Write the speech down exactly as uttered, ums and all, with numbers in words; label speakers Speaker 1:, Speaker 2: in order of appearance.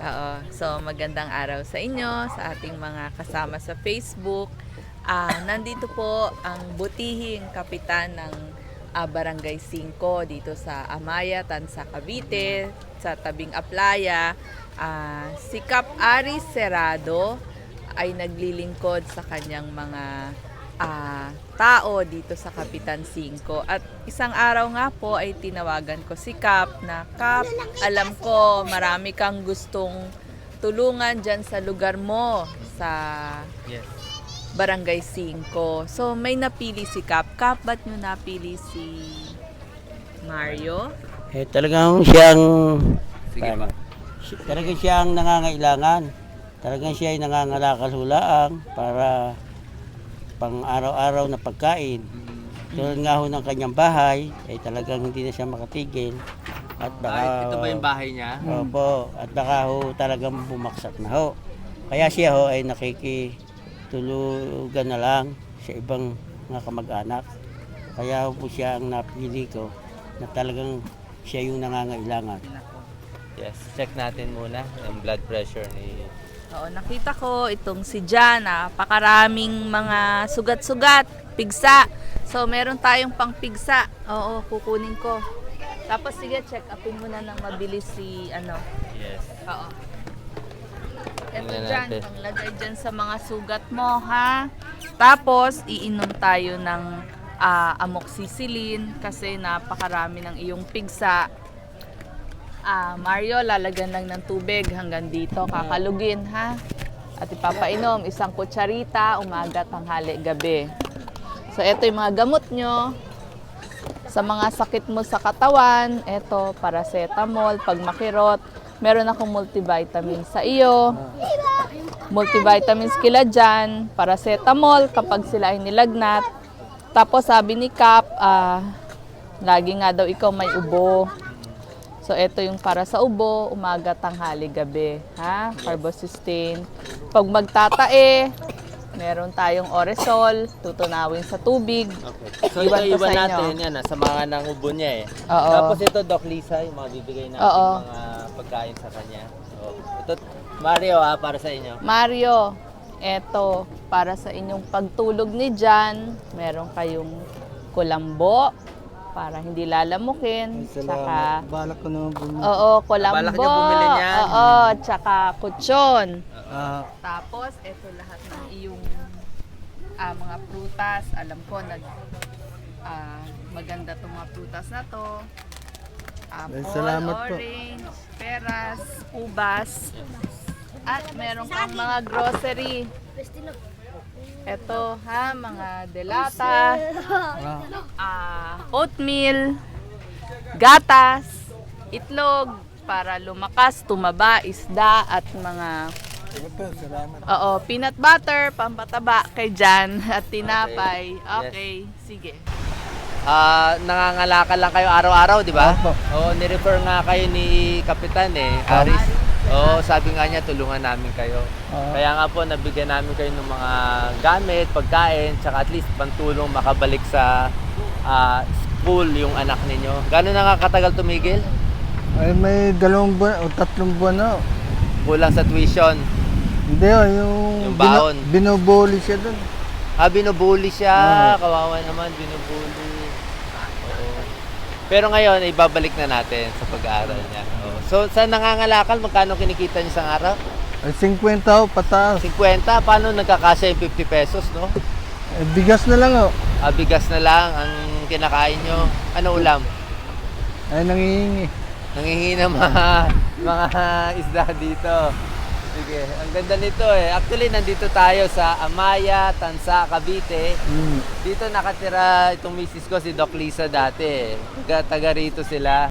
Speaker 1: Oo. So, magandang araw sa inyo, sa ating mga kasama sa Facebook. Ah, nandito po ang butihing kapitan ng ah, Barangay five dito sa Amaya, Tansa, Cavite, sa tabing Aplaya. Ah, si Cap Aris Serrado ay naglilingkod sa kanyang mga ah, tao dito sa Kapitan five. At isang araw nga po ay tinawagan ko si Cap na, Cap, alam ko marami kang gustong tulungan dyan sa lugar mo sa
Speaker 2: Yes.
Speaker 1: Barangay five. So may napili si Cap. Cap, ba't nyo napili si Mario?
Speaker 3: Eh, talagang siyang,
Speaker 2: Sige
Speaker 3: paano?
Speaker 2: pa.
Speaker 3: Si- talagang siyang nangangailangan. Talagang siya ay nangangalakal hulaang para pang araw-araw na pagkain. Tulad nga ho ng kanyang bahay, ay talagang hindi na siya makatigil. At baka,
Speaker 2: Ay, ito ba yung bahay niya?
Speaker 3: Opo, at baka ho talagang bumaksak na ho. Kaya siya ho ay nakikitulugan na lang sa ibang mga kamag-anak. Kaya ho po siya ang napili ko na talagang siya yung nangangailangan.
Speaker 2: Yes. Check natin muna yung blood pressure ni...
Speaker 1: Oo, nakita ko itong si Jan, napakaraming mga sugat-sugat, pigsa. So, meron tayong pang pigsa. Oo, kukunin ko. Tapos, sige, check upin muna ng mabilis si, ano.
Speaker 2: Yes.
Speaker 1: Oo. Ito
Speaker 2: Tingnan
Speaker 1: dyan,
Speaker 2: natin.
Speaker 1: panglagay dyan sa mga sugat mo, ha? Tapos, iinom tayo ng ah, amoxicillin kasi napakarami ng iyong pigsa. Ah, Mario, lalagyan lang ng tubig hanggang dito, kakalugin, ha? At ipapainom, isang kutsarita, umaga, tanghali, gabi. So, ito yung mga gamot nyo. Sa mga sakit mo sa katawan, ito, paracetamol, pag makirot, meron akong multivitamin sa iyo. Multivitamins kila dyan, paracetamol kapag sila ay nilagnat. Tapos sabi ni Cap, ah, lagi nga daw ikaw may ubo. So, ito yung para sa ubo, umaga, tanghali, gabi. Ha? Carbosustain. Pag magtatae, meron tayong Oresol, tutunawin sa tubig.
Speaker 2: Okay. So,
Speaker 1: Iwan
Speaker 2: ito
Speaker 1: ko
Speaker 2: iba
Speaker 1: sa inyo.
Speaker 2: natin yan, ah, sa mga nang ubo niya eh.
Speaker 1: Oo.
Speaker 2: Tapos ito, Doc Lisa, yung mga bibigay natin
Speaker 1: Oo.
Speaker 2: mga pagkain sa kanya. So, ito, Mario ah, para sa inyo.
Speaker 1: Mario, eto, para sa inyong pagtulog ni Jan, meron kayong kulambo, para hindi lalamukin. Tsaka,
Speaker 4: Balak ko naman bumili.
Speaker 1: oo, kulambo.
Speaker 2: Balak niya bumili niyan.
Speaker 1: Oo, tsaka kutsyon.
Speaker 4: Ah,
Speaker 1: Tapos, eto lahat ng iyong ah, mga prutas. Alam ko, nag, ah, maganda itong mga prutas na to. Apple,
Speaker 4: Ay, salamat po.
Speaker 1: orange, peras, ubas. At meron kang mga grocery. Eto ha, mga delata, ah, oatmeal, gatas, itlog, para lumakas, tumaba, isda, at mga
Speaker 4: salamat.
Speaker 1: oo, peanut butter, pampataba kay Jan, at tinapay.
Speaker 2: Okay.
Speaker 1: Okay, sige.
Speaker 2: Ah, nangangalakal lang kayo araw-araw, di ba?
Speaker 4: Opo.
Speaker 2: Oo, ni-refer nga kayo ni Kapitan eh, Aris. Oo, sabi nga niya tulungan namin kayo.
Speaker 4: Oo.
Speaker 2: Kaya nga po nabigyan namin kayo ng mga gamit, pagkain, tsaka at least pantulong makabalik sa ah, school yung anak ninyo. Gano'n na nga katagal tumigil?
Speaker 4: Ay, may dalawang buwan o tatlong buwan na.
Speaker 2: Kulang sa tuition.
Speaker 4: Hindi oh, yung,
Speaker 2: Yung baon.
Speaker 4: Bino, binubuli siya dun.
Speaker 2: Ah, binubuli siya.
Speaker 4: Oo.
Speaker 2: Kawawa naman, binubuli. Oo. Pero ngayon, ibabalik na natin sa pag-aaral niya. Oo. So, sa nangangalakal, magkano kinikita niyo sa araw?
Speaker 4: Ay, fifty oh, pataas.
Speaker 2: fifty? Paano nagkakasya yung fifty pesos, no?
Speaker 4: Eh, bigas na lang oh.
Speaker 2: Ah, bigas na lang ang kinakain nyo. Ano ulam?
Speaker 4: Ay, nangihingi.
Speaker 2: Nangihingi ng mga, mga isda dito. Sige, ang ganda nito eh. Actually, nandito tayo sa Amaya, Tansa, Cavite.
Speaker 4: Mm.
Speaker 2: Dito nakatira itong misis ko, si Doc Lisa dati. Taga, taga rito sila.